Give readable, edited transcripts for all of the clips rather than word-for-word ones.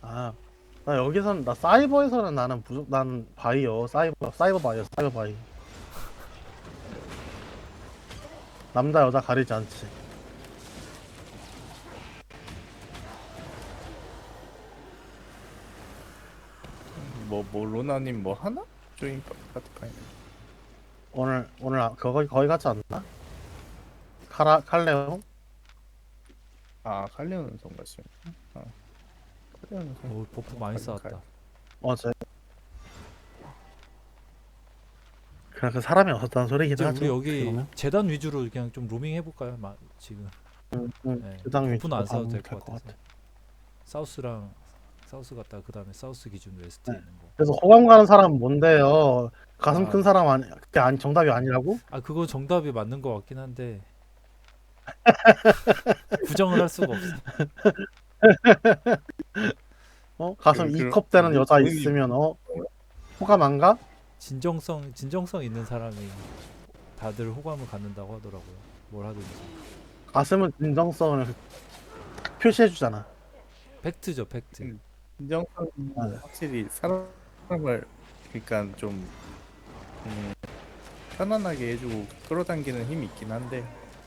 아, 나 여기선 나 사이버에서는 난 바이어 사이버 바이어 사이버 바이. 남자 여자 가리지 않지. 뭐 로나님 뭐 하나? 조인 파트파이너. 오늘 거기 가지 않나? 칼레옹? 아 칼리오는 성가시. 아 칼리오는 성. 오, 버프 많이 쌓았다. 어제 그냥 그 사람이 없었다는 이제 소리긴 우리 하죠. 어떻게 여기 보면. 재단 위주로 그냥 좀 로밍 해볼까요? 지금 네, 주당 버프는 위주로 안 써도 가면 될 될 것 것 같아서 같아. 사우스 갔다가 그 다음에 사우스 기준 웨스트 네. 있는 거. 그래서 호감 가는 사람은 뭔데요? 가슴 아 큰 사람 아니 그게 아니 정답이 아니라고? 아 그거 정답이 맞는 것 같긴 한데 부정을 할 수가 없어. 가슴 그 2컵 되는 여자 본인이 있으면 호감 안 가? 진정성 있는 사람이 다들 호감을 갖는다고 하더라고요. 뭘 하든지. 가슴은 진정성을 딱 표시해 주잖아. 팩트죠, 팩트. 진정성이 확실히 사람을 그러니까 좀 음, 편안하게 해주고 끌어당기는 힘이 있긴 한데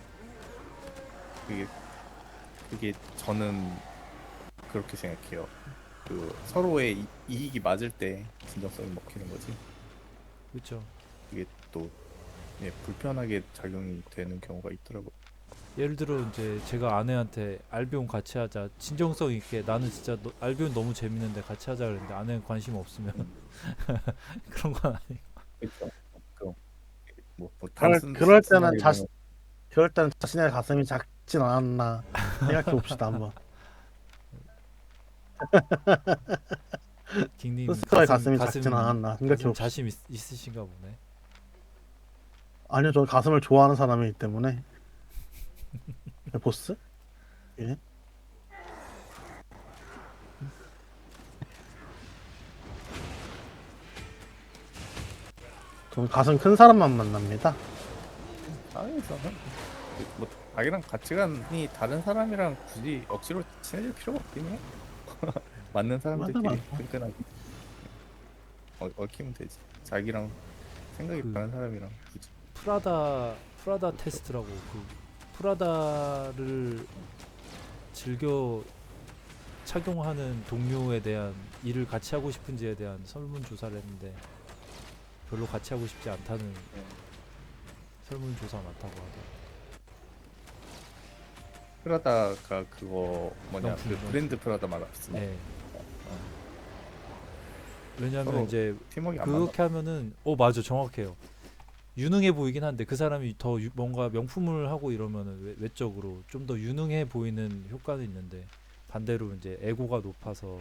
그게 그게 저는 그렇게 생각해요. 그 서로의 이익이 맞을 때 진정성이 먹히는 거지. 그렇죠. 이게 또 예, 불편하게 작용이 되는 경우가 있더라고. 예를 들어 이제 제가 아내한테 알비온 같이 하자. 진정성 있게 나는 진짜 알비온 너무 재밌는데 같이 하자 그랬는데 아내는 관심 없으면 그런 건 아니. 그렇죠. 뭐 그럴 단순 그럴 때는 순하게 보면 자신의 가슴이 작진 않았나 생각해 봅시다 한번. 킹님 스스로의 가슴이 작진 않았나 생각해 가슴 봅시다. 자신 있으신가 보네. 아니요, 저 가슴을 좋아하는 사람이기 때문에. 보스? 예. 저는 가슴 큰 사람만 만납니다. 사회에서는 뭐 자기랑 가치관이 다른 사람이랑 굳이 억지로 친해질 필요가 없긴 해. 맞는 맞아, 사람들끼리 맞아. 끈끈하게 얽히면 되지. 자기랑 생각이 그 다른 사람이랑 굳이. 프라다 테스트라고 그 프라다를 즐겨 착용하는 동료에 대한 일을 같이 하고 싶은지에 대한 설문조사를 했는데 별로 같이 하고 싶지 않다는 설문조사 많다고 하더라고요. 프라다가 그거 뭐냐 명품, 그 명품. 브랜드 프라다 말았어. 네. 왜냐하면 서로 이제 팀워크 안 맞나? 그렇게 하면은 맞아 정확해요. 유능해 보이긴 한데 그 사람이 더 뭔가 명품을 하고 이러면은 외적으로 좀 더 유능해 보이는 효과는 있는데 반대로 이제 에고가 높아서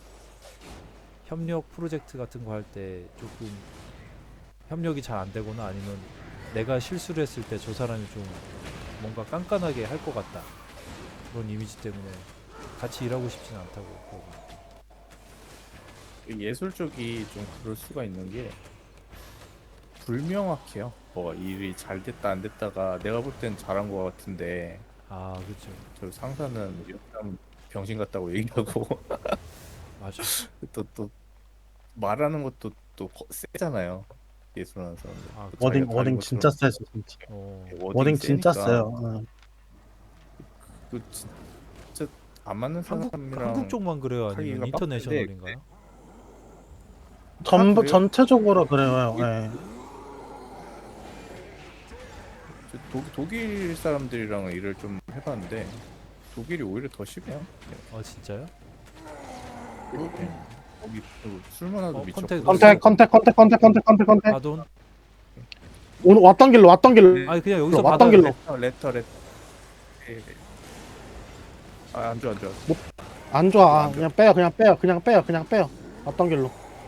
협력 프로젝트 같은 거 할 때 조금 협력이 잘 안 되거나 아니면 내가 실수를 했을 때 저 사람이 좀 뭔가 깐깐하게 할 것 같다 그런 이미지 때문에 같이 일하고 싶지는 않다고 그러고. 예술 쪽이 좀 그럴 수가 있는 게 불명확해요. 뭐 일이 잘 됐다 안 됐다가 내가 볼 땐 잘한 것 같은데 아 그렇죠. 저 상사는 이런 사람 병신 같다고 얘기하고 맞아. 또 말하는 것도 또 세잖아요. 예술하는 사람들. 아 또 그쵸. 자기가 다른 워딩 진짜 것처럼 세죠, 진짜. 워딩이 워딩 진짜 세니까 세요. 응. 그 진짜 안 맞는 한국 사람이랑 쪽만 그래요? 아니면 하기가 빡센데 인터내셔널인가요? 다 전부 그래요. 전체적으로 그래요. 예. 저 독일 사람들이랑 일을 좀 해봤는데 독일이 오히려 더 심해요. 아 진짜요? 네. 거기 또 술만 하도 컨택 미쳤고. 넣었어요? 컨택. 아돈? 오늘 왔던 길로 아니 그냥 여기서 왔던 받아요. 길로. 레터. 예. 안 좋아. 안 좋아. 안 좋아. 그냥 빼요. 왔던 길로.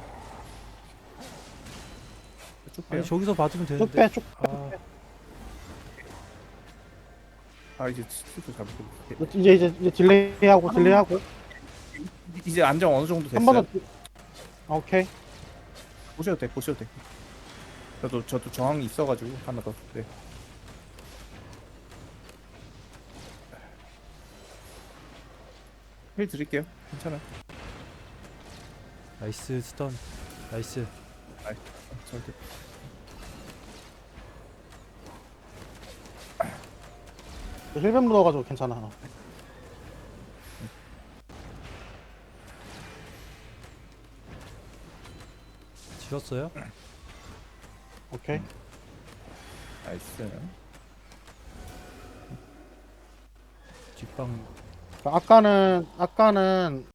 쭉 아니 빼요. 저기서 받으면 쭉 되는데. 빼, 쭉. 아 이제 스피드 잡고. 이제 딜레이하고. 이제 안정 어느 정도 한 번 됐어요. 더. 오케이. 보셔도 돼. 저도 저항이 있어가지고 하나 더. 네. 힐 드릴게요. 괜찮아. 나이스 스턴. 나이스. 절대. 힐뱀 묻어가지고 괜찮아. 지웠어요? 오케이. 나이스. 뒷방 아까는